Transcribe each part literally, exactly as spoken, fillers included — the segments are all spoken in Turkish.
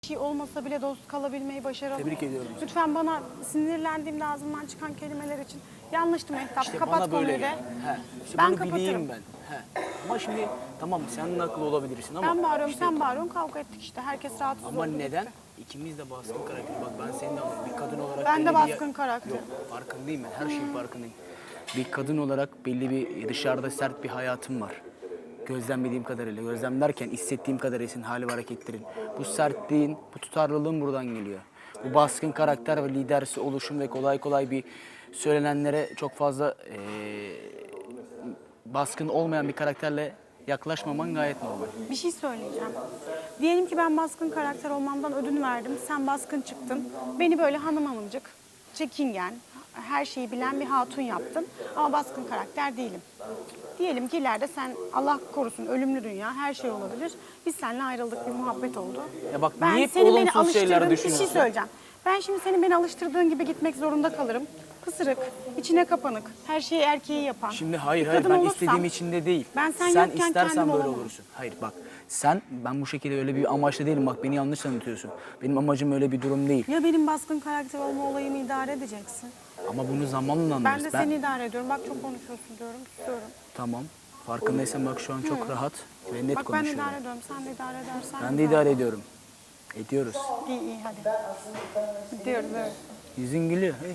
şey olmasa bile dost kalabilmeyi başaralım. Tebrik ediyorum. Lütfen bana sinirlendiğimde ağzımdan çıkan kelimeler için yanlıştı Mehtap. İşte Kapat bana böyle konuyu de. gel. He. İşte Ben bunu kapatırım. bileyim ben. He. Ama şimdi tamam sen de haklı olabilirsin ama. Ben bağırıyorum, işte, sen bağırıyorsun, kavga ettik işte. Herkes rahatsız ama oldu. neden? İkimiz de baskın karakter. Bak ben senin de bir kadın olarak... Ben de belli bir- baskın karakter. Yok farkındayım ben. Her şeyin farkındayım. Bir kadın olarak belli bir dışarıda sert bir hayatım var. Gözlemlediğim kadarıyla, gözlemlerken hissettiğim kadarıyla senin hali ve hareketlerin. Bu sertliğin, bu tutarlılığın buradan geliyor. Bu baskın karakter ve lidersi oluşum ve kolay kolay bir söylenenlere çok fazla eee, baskın olmayan bir karakterle yaklaşmaman gayet normal. Bir şey söyleyeceğim. Diyelim ki ben baskın karakter olmamdan ödün verdim. Sen baskın çıktın. Beni böyle hanım hanımcık, çekingen, her şeyi bilen bir hatun yaptın. Ama baskın karakter değilim. Diyelim ki ileride sen, Allah korusun, ölümlü dünya, her şey olabilir. Biz seninle ayrıldık, bir muhabbet oldu. Ya bak, ben niye hep senin beni olumsuz şeyler alıştırdığın bir şey düşünüyorsun? söyleyeceğim. Ben şimdi senin beni alıştırdığın gibi gitmek zorunda kalırım. Pısırık, içine kapanık, her şeyi erkeği yapan. Şimdi hayır bir hayır kadın ben olursam, istediğim için de değil. Ben sen, sen yokken istersen kendim böyle olamam. olursun. Hayır bak sen ben bu şekilde öyle bir amaçla değilim. Bak beni yanlış anlatıyorsun. Benim amacım öyle bir durum değil. Ya benim baskın karakter olma olayımı idare edeceksin. Ama bunu zamanla anlarız. Ben de seni idare ediyorum. Bak çok konuşuyorsun diyorum, susuyorum. Tamam. Farkındaysan bak şu an çok rahat ve net Bak ben konuşuyorum. idare ediyorum, sen de idare edersen. Ben de idare ediyorum. Ediyoruz. İyi iyi hadi. Gidiyoruz evet. Yüzün gülüyor. Hey.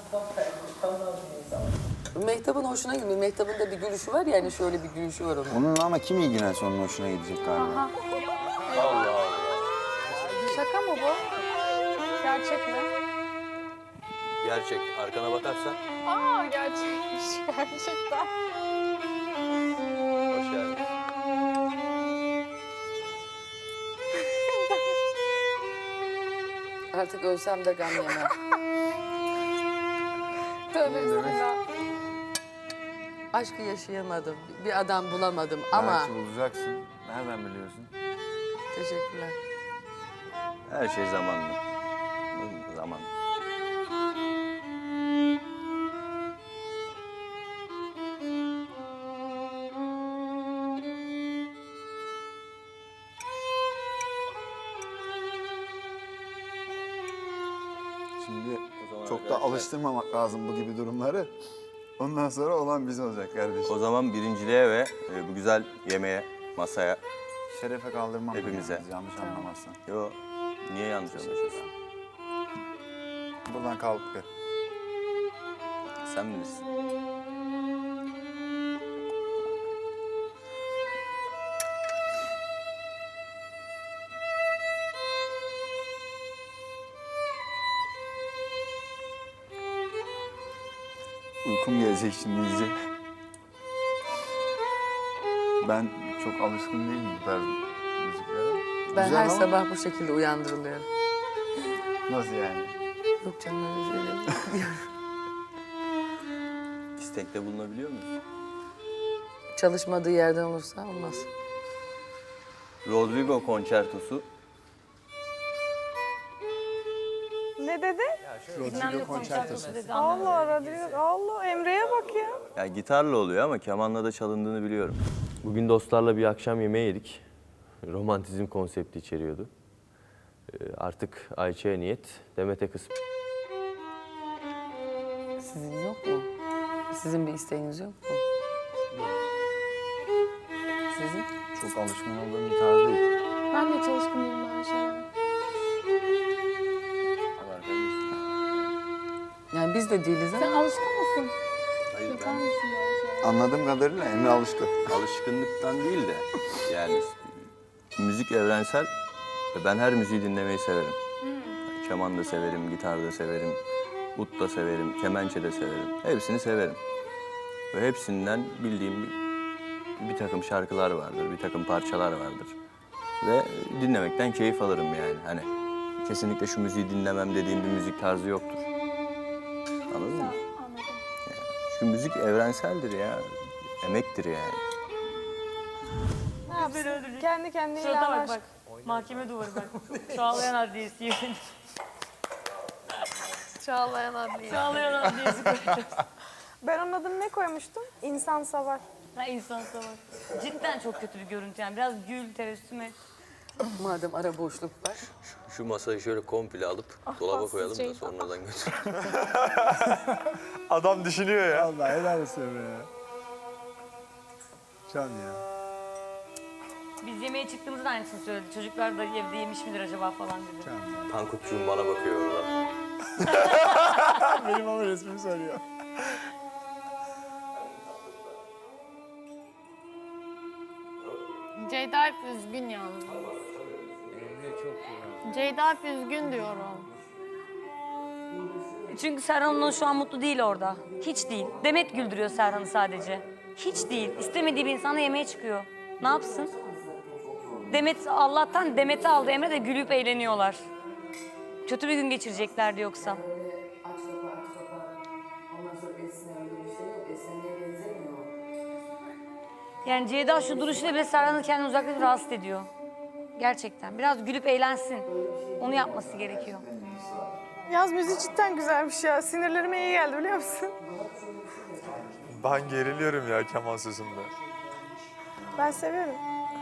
Mehtap'ın hoşuna gidiyor. Mehtap'ın da bir gülüşü var ya, hani şöyle bir gülüşü var onun. Onun ama kim ilgilense onun hoşuna gidecek galiba. Şaka mı bu? Gerçek mi? Gerçek. Arkana bakarsan Aa gerçekmiş gerçekten. hoş geldin. Artık ölsem de gam yemem. Tövbe bismillah. Aşkı yaşayamadım. Bir adam bulamadım ama... Belki bulacaksın. Nereden biliyorsun? Teşekkürler. Her şey zamanlı. Zaman. Şimdi zaman çok da arkadaşlar- alıştırmamak lazım bu gibi durumları. Ondan sonra olan biz olacak kardeşim. O zaman birinciliğe ve e, bu güzel yemeğe, masaya. Şerefe kaldırmam Hepimize. yalnız, yanlış anlamazsan. Yo, niye yanlış anlaşıyorsun? Buradan kalk be. Sen bilirsin. Uykum gelecek şimdi iyice. Ben çok alışkın değilim bu tarz müziklere. Ben Güzel her ama sabah bu şekilde uyandırılıyorum. Nasıl yani? Yok canım öyle şeyler değil. İstekte bulunabiliyor muyuz? Çalışmadığı yerden olursa olmaz. Rodrigo konçertosu. Ne dedi? Rodrigo konçertosu. Allah Rodrigo, Allah Emre'ye bak ya. Ya gitarla oluyor ama kemanla da çalındığını biliyorum. Bugün dostlarla bir akşam yemeği yedik. Romantizm konsepti içeriyordu. Ee, Artık Ayça'ya niyet, Demet'e kısmet. Sizin yok mu? Sizin bir isteğiniz yok mu? Sizin? Çok alışkın olduğum bir tarz değil. Ben de çalışkın değilim böyle şeylere. Yani biz de değiliz Sen ama alışkın mısın? Hayır Yapar ben mısın böyle şeyler? Anladığım kadarıyla Emre alışkın. alışkınlıktan değil de yani müzik evrensel ve ben her müziği dinlemeyi severim. Keman da severim, gitar da severim, ut da severim, kemençe de severim. Hepsini severim. Ve hepsinden bildiğim bir, bir takım şarkılar vardır, bir takım parçalar vardır. Ve dinlemekten keyif alırım yani. Hani kesinlikle şu müziği dinlemem dediğim bir müzik tarzı yoktur. Anladın mı? Yani çünkü müzik evrenseldir ya. Emektir yani. Ne yapsın? Kendi kendine Şurada bak ilaç. bak. Mahkeme duvarı bak. Çağlayan Adliyesi. Çağlayan adliye. Çağlayan Adliyesi koyacağız. Ben onun adını ne koymuştum? İnsan Savar. Ha insan savaş. Cidden çok kötü bir görüntü yani. Biraz gül, tebessüm et. Madem ara boşluk var. Şu masayı şöyle komple alıp dolaba koyalım da Ceyda. sonradan götür. Adam düşünüyor ya. Allah helal olsun Emre ya. Can ya. Biz yemeğe çıktığımızda aynısını söyledi. Çocuklar da evde yemiş midir acaba falan dedi. Tankutçuğum bana bakıyor orada. Benim ama resmimi söylüyor. Ceyda hep üzgün yalnız. Ceyda hep üzgün diyorum. Çünkü Serhan şu an mutlu değil orada. Hiç değil. Demet güldürüyor Serhan'ı sadece. Hiç değil. İstemediği bir insanla yemeğe çıkıyor. Ne yapsın? Demet, Allah'tan Demet'i aldı Emre de gülüp eğleniyorlar. Kötü bir gün geçireceklerdi yoksa. Yani Ceyda şu duruşuyla bile Serhan'ı kendini uzaklaşıp rahatsız ediyor. Gerçekten. Biraz gülüp eğlensin. Onu yapması gerekiyor. Yaz müziği cidden güzelmiş ya. Sinirlerime iyi geldi biliyor musun? Ben geriliyorum ya keman sözünde. Ben seviyorum.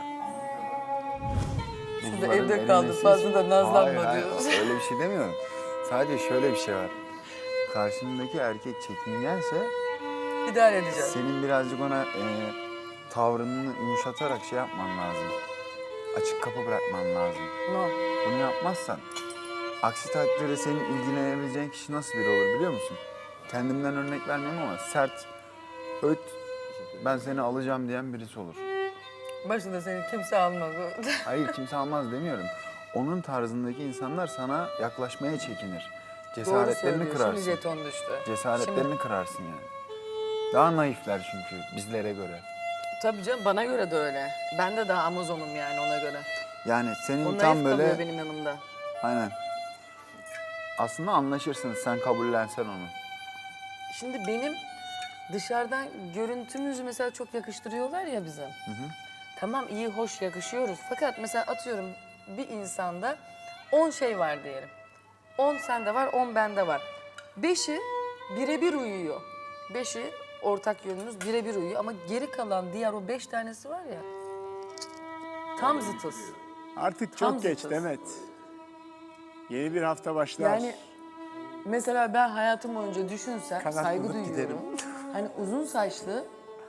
Şurada evde kaldı fazla da nazlanma Hayır, diyor. hayır, öyle bir şey demiyorum. Sadece şöyle bir şey var. Karşındaki erkek çekingense İdare edeceğim. senin birazcık ona e, tavrını yumuşatarak şey yapman lazım. Açık kapı bırakman lazım. No. Bunu yapmazsan aksi takdirde senin ilgilenebileceğin kişi nasıl biri olur biliyor musun? Kendimden örnek vermiyorum ama sert, öt, ben seni alacağım diyen birisi olur. Başında seni kimse almadı. Hayır kimse almaz demiyorum. Onun tarzındaki insanlar sana yaklaşmaya çekinir. Cesaretlerini kırarsın. Şimdi jeton düştü. Cesaretlerini Şimdi- kırarsın yani. Daha naifler çünkü bizlere göre. Tabii canım bana göre de öyle. Ben de daha Amazon'um yani ona göre. Yani senin Onlar tam hep böyle... kalıyor benim yanımda. Aynen. Aslında anlaşırsınız sen kabullensen onu. Şimdi benim dışarıdan görüntümüzü mesela çok yakıştırıyorlar ya bize. Tamam iyi hoş yakışıyoruz. Fakat mesela atıyorum bir insanda on şey var diyelim. on sende var, on bende var. Beşi birebir uyuyor. Beşi ortak yönümüz birebir uyuyor ama geri kalan diğer o beş tanesi var ya tam zıtız. Artık Tam çok geç zıtız. Demet. Yeni bir hafta başlar. Yani mesela ben hayatım boyunca düşünsem Kanat saygı bulup duyuyorum. giderim. Hani uzun saçlı,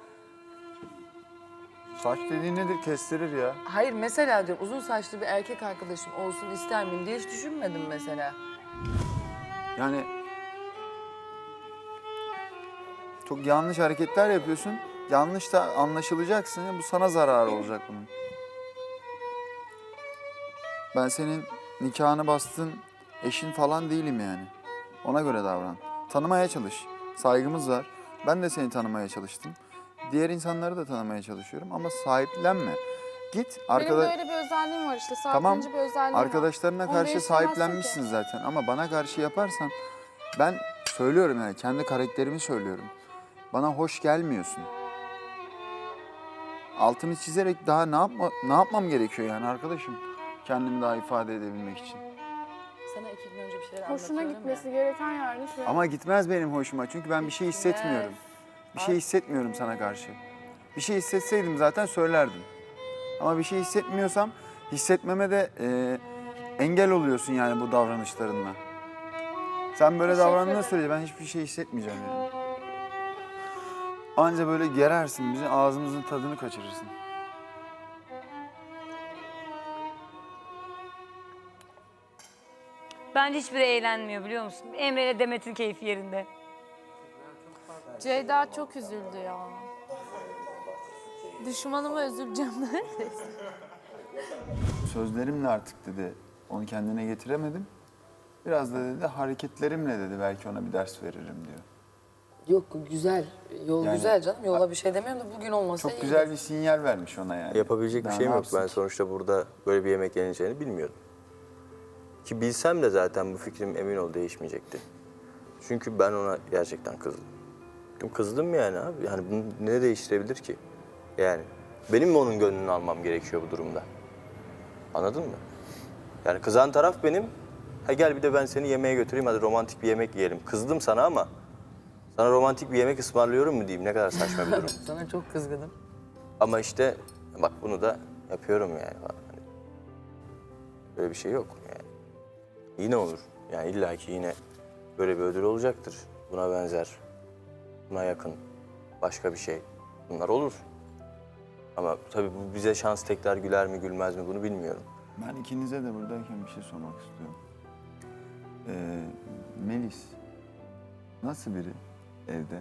Saç dediğin nedir? Kestirir ya. hayır mesela diyorum uzun saçlı bir erkek arkadaşım olsun ister miyim diye hiç düşünmedim mesela. Yani çok yanlış hareketler yapıyorsun. Yanlış da anlaşılacaksın. Bu sana zararı olacak bunun. Ben senin nikahını bastığın eşin falan değilim yani. Ona göre davran. Tanımaya çalış. Saygımız var. Ben de seni tanımaya çalıştım. Diğer insanları da tanımaya çalışıyorum ama sahiplenme. Git arkada... Benim böyle bir özelliğim var işte. Tamam, Sahiplenici bir özelliğim var. arkadaşlarına Onu karşı değiştiremezsin sahiplenmişsin ki. zaten ama bana karşı yaparsan ben söylüyorum yani kendi karakterimi söylüyorum. Bana hoş gelmiyorsun. Altını çizerek daha ne yapma ne yapmam gerekiyor yani arkadaşım kendimi daha ifade edebilmek için. Sana iki gün önce bir şeyler Hoşuna anlatıyorum gitmesi ya. gereken yerde şu an. Ama gitmez benim hoşuma çünkü ben bir şey hissetmiyorum. Bir şey hissetmiyorum sana karşı. Bir şey hissetseydim zaten söylerdim. Ama bir şey hissetmiyorsam hissetmeme de e, engel oluyorsun yani bu davranışlarınla. Sen böyle Teşekkür davrandığın ederim. sürece ben hiçbir şey hissetmeyeceğim yani. Anca böyle gerersin bizi, ağzımızın tadını kaçırırsın. Bence hiçbiri eğlenmiyor biliyor musun? Emre ile Demet'in keyfi yerinde. Ceyda çok üzüldü ya. Düşmanıma üzüleceğim neredeyse. Sözlerimle artık dedi, onu kendine getiremedim. Biraz da dedi hareketlerimle dedi belki ona bir ders veririm diyor. Yok güzel, yol Yani- güzel canım. Yola bir şey demiyorum da bugün olmasa Çok iyi. güzel bir sinyal vermiş ona yani. Yapabilecek bir Daha şeyim ne yok. Ben yapsın ki? sonuçta burada böyle bir yemek yeneceğini bilmiyordum. Ki bilsem de zaten bu fikrim emin ol değişmeyecekti. Çünkü ben ona gerçekten kızdım. Kızdım yani abi. Yani bunu ne değiştirebilir ki? Yani benim mi onun gönlünü almam gerekiyor bu durumda? Anladın mı? Yani kızan taraf benim. Ha gel bir de ben seni yemeğe götüreyim hadi romantik bir yemek yiyelim. Kızdım sana ama sana romantik bir yemek ısmarlıyorum mu diyeyim ne kadar saçma bir durum. Sana çok kızgınım. Ama işte bak bunu da yapıyorum yani. Hani Böyle bir şey yok yani. Yine olur. Yani illaki yine böyle bir ödül olacaktır. Buna benzer, buna yakın başka bir şey. Bunlar olur. Ama tabii bu bize şans tekrar güler mi gülmez mi bunu bilmiyorum. Ben ikinize de buradayken bir şey sormak istiyorum. Ee, Melis nasıl biri evde?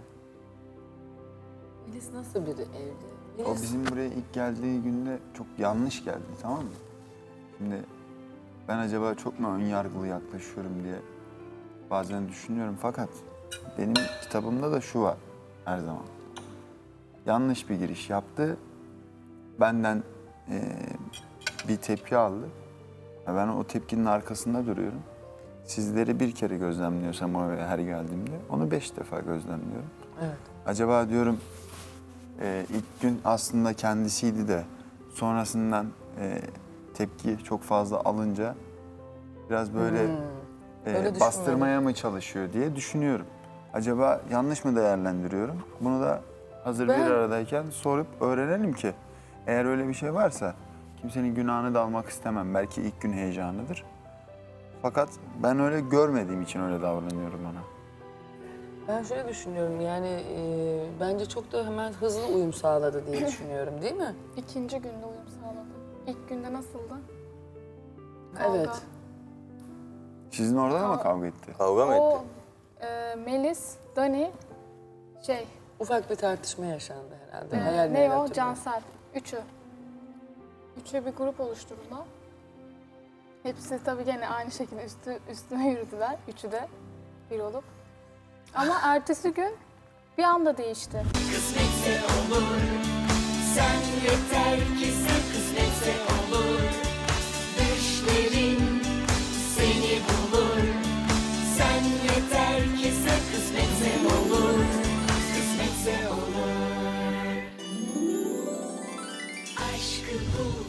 Melis nasıl biri evde? O Melis- bizim buraya ilk geldiği günde çok yanlış geldi, tamam mı? Şimdi ben acaba çok mu ön yargılı yaklaşıyorum diye bazen düşünüyorum. Fakat benim kitabımda da şu var her zaman. Yanlış bir giriş yaptı. Benden eee, bir tepki aldı. Ve ben o tepkinin arkasında duruyorum. Sizleri bir kere gözlemliyorsam o eve her geldiğimde onu beş defa gözlemliyorum. Evet. Acaba diyorum e, ilk gün aslında kendisiydi de sonrasından e, tepki çok fazla alınca biraz böyle Öyle e, düşünmedim. bastırmaya mı çalışıyor diye düşünüyorum. Acaba yanlış mı değerlendiriyorum? Bunu da hazır Ben- bir aradayken sorup öğrenelim ki eğer öyle bir şey varsa kimsenin günahını da almak istemem. Belki ilk gün heyecanıdır. Fakat ben öyle görmediğim için öyle davranıyorum ona. Ben şöyle düşünüyorum yani e, bence çok da hemen hızlı uyum sağladı diye düşünüyorum değil mi? İkinci günde uyum sağladı. İlk günde nasıldı? Kavga. Evet. Sizin orada da mı Aa. kavga etti? Kavga mı etti? O e, Melis, Dani, şey, Ufak bir tartışma yaşandı herhalde. e, Hayal ne meyal o? hatırlıyorum. Cansel. Üçü. Üçü bir grup oluşturdular. Hepsi tabii gene aynı şekilde üstü, üstüme yürüdüler. Üçü de bir olup. Ama ertesi gün bir anda değişti. Kısmetse olur, sen yeter ki sen kısmetse olur. Düşlerin seni bulur, sen yeter ki sen kısmetse olur. Kısmetse olur. Aşkı bul.